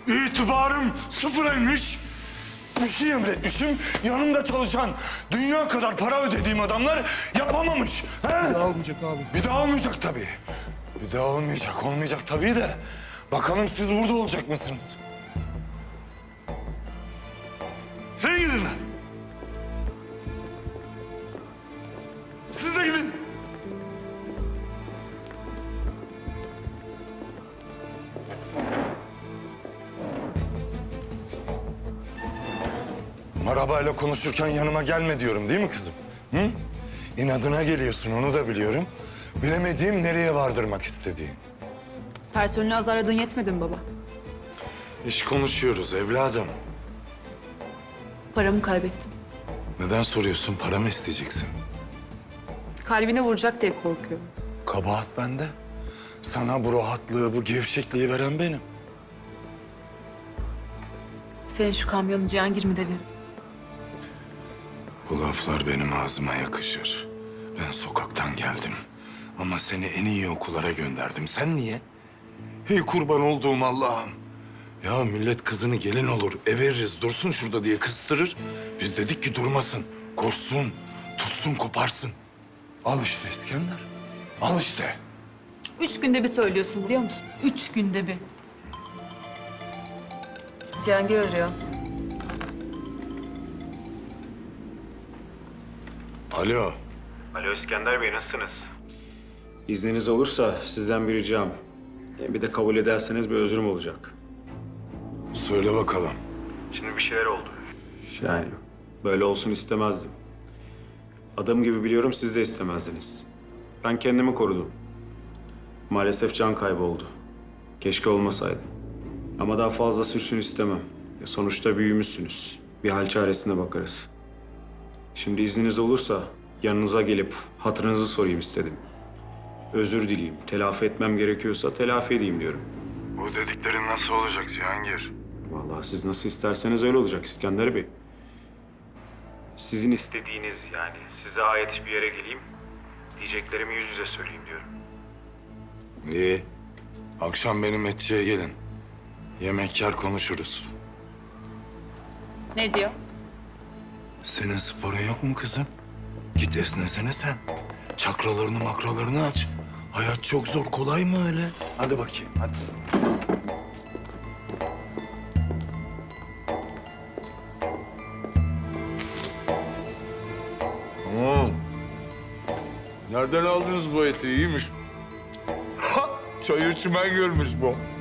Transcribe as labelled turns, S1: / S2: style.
S1: İtibarım sıfıra inmiş. Bir şey emretmişim, yanımda çalışan dünya kadar para ödediğim adamlar yapamamış. He?
S2: Bir daha olmayacak abi.
S1: Bir daha olmayacak tabii. Bir daha olmayacak tabii de. Bakalım siz burada olacak mısınız? Sen gidin lan. Siz de gidin. Arabayla konuşurken yanıma gelme diyorum değil mi kızım? Hı? İnadına geliyorsun, onu da biliyorum. Bilemediğim nereye vardırmak istediğin.
S3: Personeli azarladığın yetmedi mi baba?
S1: İş konuşuyoruz evladım.
S3: Paramı kaybettin.
S1: Neden soruyorsun? Para mı isteyeceksin?
S3: Kalbine vuracak diye korkuyorum.
S1: Kabahat bende. Sana bu rahatlığı, bu gevşekliği veren benim.
S3: Senin şu kamyonu Cihangir mi devirdi?
S1: Bu laflar benim ağzıma yakışır. Ben sokaktan geldim. Ama seni en iyi okullara gönderdim. Sen niye? Hey kurban olduğum Allah'ım. Ya millet kızını gelin olur, ev veririz, dursun şurada diye kıstırır. Biz dedik ki durmasın, koşsun, tutsun, koparsın. Al işte İskender, al işte.
S3: 3 günde bir söylüyorsun biliyor musun? 3 günde bir. Cihangir arıyor.
S1: Alo.
S4: Alo İskender Bey, nasılsınız? İzniniz olursa sizden bir ricam. Bir de kabul ederseniz bir özrüm olacak.
S1: Söyle bakalım.
S4: Şimdi bir şeyler oldu. Yani böyle olsun istemezdim. Adım gibi biliyorum siz de istemezdiniz. Ben kendimi korudum. Maalesef can kaybı oldu. Keşke olmasaydı. Ama daha fazla sürsün istemem. Sonuçta büyümüşsünüz. Bir hal çaresine bakarız. Şimdi izniniz olursa yanınıza gelip hatırınızı sorayım istedim. Özür dileyeyim. Telafi etmem gerekiyorsa telafi edeyim diyorum.
S1: Bu dediklerin nasıl olacak Cihangir?
S4: Vallahi siz nasıl isterseniz öyle olacak İskender Bey. Sizin istediğiniz yani size ait bir yere geleyim. Diyeceklerimi yüz yüze söyleyeyim diyorum.
S1: İyi. Akşam benim etçiye gelin. Yemek yer konuşuruz.
S3: Ne diyor?
S1: Senin sporun yok mu kızım? Git esnesene sen. Çakralarını makralarını aç. Hayat çok zor, kolay mı öyle? Hadi bakayım, hadi. Nereden aldınız bu eti? İyiymiş. Çayır çimen görmüş bu.